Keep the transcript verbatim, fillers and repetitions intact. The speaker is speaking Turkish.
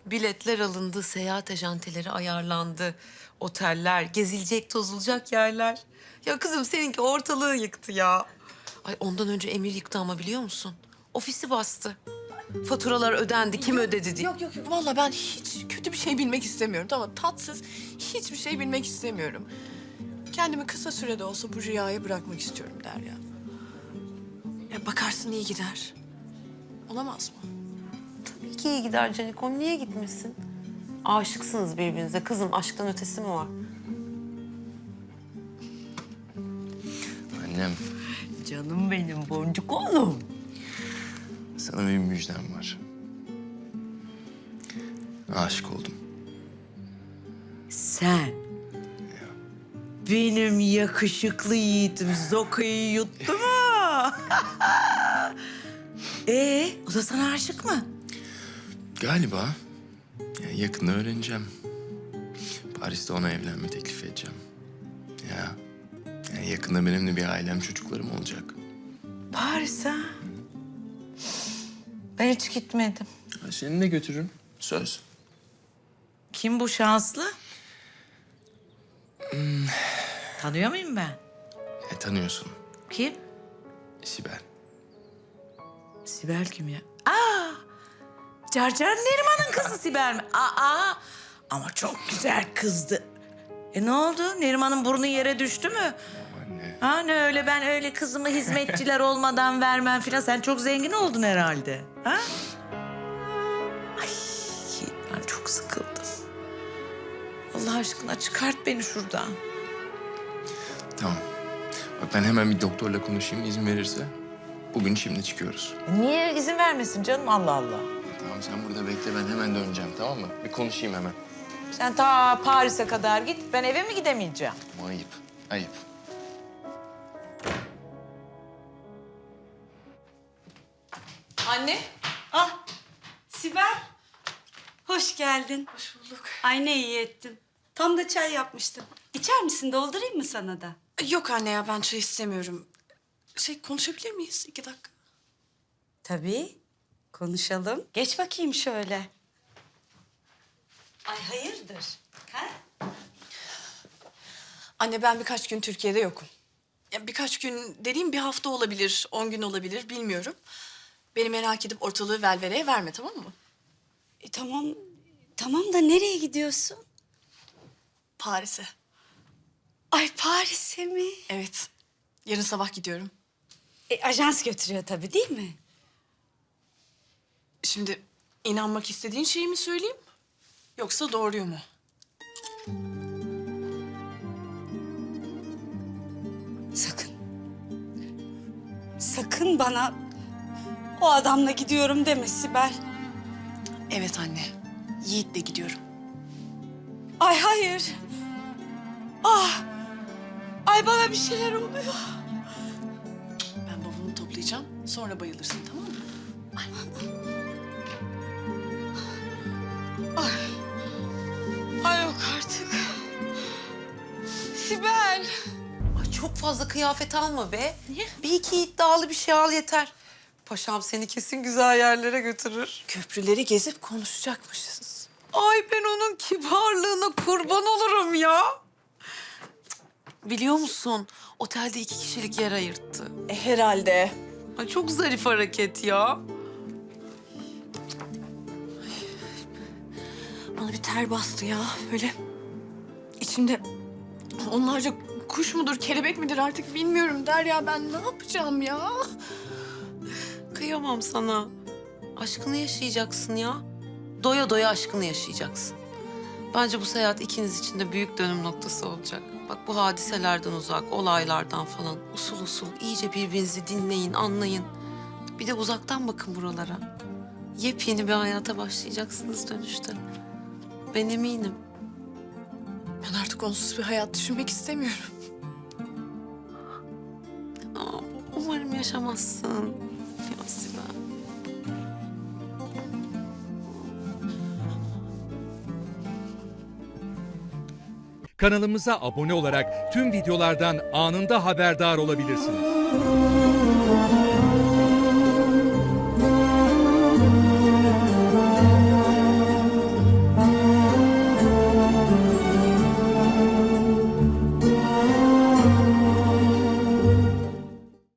Biletler alındı, seyahat ajanteleri ayarlandı. Oteller, gezilecek, tozulacak yerler. Ya kızım seninki ortalığı yıktı ya. Ay ondan önce Emir yıktı ama biliyor musun? Ofisi bastı. Faturalar ödendi, kim ödedi diye. Yok yok yok. Vallahi ben hiç kötü bir şey bilmek istemiyorum. Tamam, tatsız hiçbir şey bilmek istemiyorum. Kendimi kısa sürede olsa bu rüyaya bırakmak istiyorum Derya. Ya bakarsın iyi gider. Olamaz mı? Tabii ki iyi gider Canikom, niye gitmesin? Aşıksınız birbirinize. Kızım aşktan ötesi mi var? Annem, Canım benim boncuk oğlum. sana bir müjdem var. Aşık oldum. Sen benim yakışıklı yiğidim Zoka'yı yuttu mu? Ee, o da sana aşık mı? Galiba. Yani yakında öğreneceğim. Paris'te ona evlenme teklif edeceğim. Ya. Yani yakında benim de bir ailem, çocuklarım olacak. Paris ha? Ben hiç gitmedim. Ha, seni de götürürüm. Söz. Kim bu şanslı? Tanıyor muyum ben? E, tanıyorsun. Kim? Sibel. Sibel kim ya? Aa! Carcar Neriman'ın kızı Sibel mi? Aa! Ama çok güzel kızdı. E ne oldu? Neriman'ın burnu yere düştü mü? Anne. Ha ne öyle ben öyle kızımı hizmetçiler olmadan vermem filan. Sen çok zengin oldun herhalde. Ha? Ay ben çok sıkıldım. Allah aşkına çıkart beni şuradan. Tamam. Bak ben hemen bir doktorla konuşayım, izin verirse. Bugün şimdi çıkıyoruz. Niye izin vermesin canım Allah Allah. Tamam sen burada bekle, ben hemen döneceğim, tamam mı? Bir konuşayım hemen. Sen ta Paris'e kadar git. Ben eve mi gidemeyeceğim? Ama ayıp, ayıp. Anne. Ah, Sibel. Hoş geldin. Hoş bulduk. Ay ne iyi ettin. Tam da çay yapmıştım. İçer misin? Doldurayım mı sana da? Yok anne ya, ben çay istemiyorum. Şey, konuşabilir miyiz iki dakika? Tabii. Konuşalım. Geç bakayım şöyle. Ay hayırdır? Ha? Anne ben birkaç gün Türkiye'de yokum. Ya birkaç gün dediğim bir hafta olabilir, on gün olabilir bilmiyorum. Beni merak edip ortalığı velveleye verme, tamam mı? E, tamam. Tamam da nereye gidiyorsun? Paris'e. Ay Paris'e mi? Evet. Yarın sabah gidiyorum. E, ajans götürüyor tabii değil mi? Şimdi inanmak istediğin şeyi mi söyleyeyim? Yoksa doğruyu mu? Sakın. Sakın bana o adamla gidiyorum deme Sibel. Evet anne. Yiğit'le gidiyorum. Ay hayır. Ah. Ay bana bir şeyler oluyor. Ben bavulumu toplayacağım. Sonra bayılırsın, tamam mı? Ay yok artık. Sibel. Ay çok fazla kıyafet alma be. Niye? Bir iki iddialı bir şey al yeter. Paşam seni kesin güzel yerlere götürür. Köprüleri gezip konuşacakmışız. Ay ben onun kibarlığına kurban olurum ya. Biliyor musun? Otelde iki kişilik yer ayırttı. E, herhalde. Ay çok zarif hareket ya. Bana bir ter bastı ya. Böyle içimde onlarca kuş mudur, kelebek midir artık bilmiyorum Derya. Ben ne yapacağım ya? Kıyamam sana. Aşkını yaşayacaksın ya. Doya doya aşkını yaşayacaksın. Bence bu seyahat ikiniz için de büyük dönüm noktası olacak. Bak bu hadiselerden uzak, olaylardan falan usul usul iyice birbirinizi dinleyin, anlayın. Bir de uzaktan bakın buralara. Yepyeni bir hayata başlayacaksınız dönüşte. Ben eminim. Ben artık onsuz bir hayat düşünmek istemiyorum. Aa, umarım yaşamazsın. Ya Sibel. Kanalımıza abone olarak tüm videolardan anında haberdar olabilirsiniz.